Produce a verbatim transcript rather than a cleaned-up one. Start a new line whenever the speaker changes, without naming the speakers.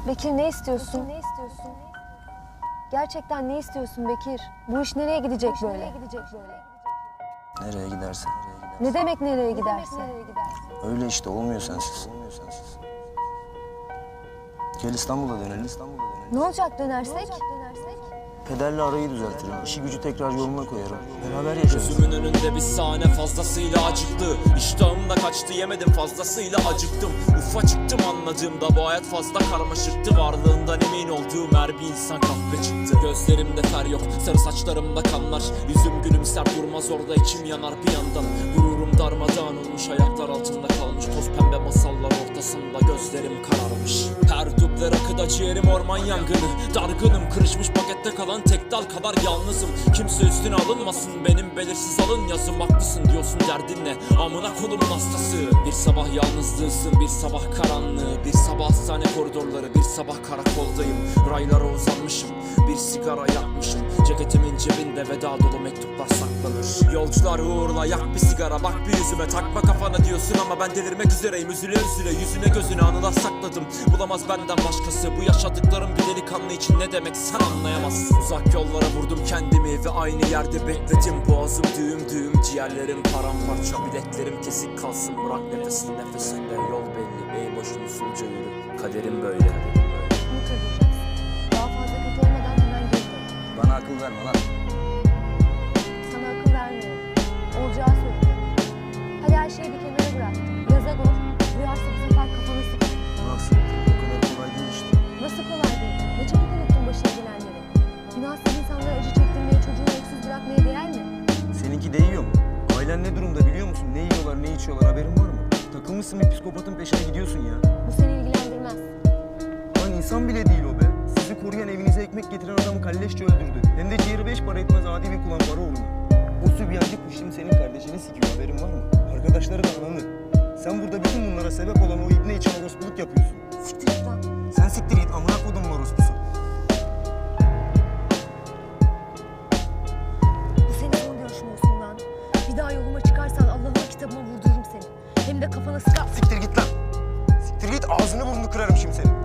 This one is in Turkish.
Bekir ne istiyorsun? Bekir, ne istiyorsun? Gerçekten ne istiyorsun Bekir? Bu iş nereye gidecek böyle? Nereye gidecek böyle?
Nereye gidersen.
Ne demek nereye gidersin?
Öyle işte olmuyor sensiz. Olmuyor sensiz. Gel İstanbul'a dönelim. İstanbul'a dönelim.
Ne olacak dönersek?
Pederle arayı düzeltirim. İşi gücü tekrar yoluna koyarım. Beraber yaşarız.
Gözümün önünde bir sahne fazlasıyla acıktı. İştahım da kaçtı, yemedim fazlasıyla acıktım. Ufacıktım anladığımda bu hayat fazla karmaşıktı. Varlığından emin olduğum her bir insan kahve çıktı. Gözlerimde fer yok, sarı saçlarımda kanlar. Yüzüm gülümser durmaz orada, içim yanar bir yandan. Gururum darmadağın olmuş, ayaklar altında kalmış. Toz pembe masallar ortasında gözlerim kararmış. Her duble rakıda ciğerim orman yangını. Dargınım, kırışmış pakette kalan tek dal kadar yalnızım. Kimse üstüne alınmasın, benim belirsiz alın yazım. Haklısın diyorsun, derdin ne? Amına kolumun hastası. Bir sabah yalnızlığısın, bir sabah karanlığı. Bir sabah hastane koridorları, bir sabah karakoldayım. Raylara uzanmışım, bir sigara yakmışım. Ceketimin cebinde veda dolu mektuplar saklanır. Yolcular uğurla, yak bir sigara, bak bir yüzüme. Takma kafana diyorsun ama ben delirmek üzereyim. Üzüle üzüle yüzüne gözüne anılar sakladım. Bulamaz benden başkası bu yaşadıklarım. Bir delikanlı için ne demek sen anlayamazsın. Uzak yollara vurdum kendimi ve aynı yerde bekledim. Boğazım düğüm düğüm, ciğerlerim paramparça. Biletlerim kesik kalsın, bırak nefesin nefesinde. Yol belli, ey boşun usulca yürü. Kaderim böyle.
Bunu kırdıracaksın. Daha fazla kötü olmadan hemen geri dön.
Bana akıl verme lan.
Sana akıl vermiyorum. Olacağı söylüyorum. Hadi her şeyi bir kenara bırak. Yaza gol. Duyarsa bu sefer kafanı sık.
Nasıl? O kadar kolay değil işte.
Nasıl kolay değil? Ne çabuk unuttun başına gelenleri. Günahsız insanlara acı çektirmeye, çocuğunu öksüz bırakmaya değer mi?
Seninki değiyor mu? Ailen ne durumda biliyor musun? Ne yiyorlar, ne içiyorlar haberin var mı? Takılmışsın bir psikopatın peşine gidiyorsun ya.
Bu seni ilgilendirmez.
Lan insan bile değil o be. Sizi koruyan, evinize ekmek getiren adamı kalleşçe öldürdü. Hem de ciğeri beş para etmez adi bir kulan para uğruna. O sübyancı kuş şimdi senin kardeşini sikiyor, haberin var mı? Arkadaşları da ananı. Sen burada bütün bunlara sebep olan o ibne için orospuluk yapıyorsun.
Siktir git lan.
Sen siktir git, amına kodumun orospusu.
Bu senin son görüşün olsun lan. Bir daha yoluma çıkarsan Allah'ın kitabıma vurdururum seni. Hem de kafana sıkar.
Siktir git lan. Siktir git, ağzını burnunu kırarım şimdi senin.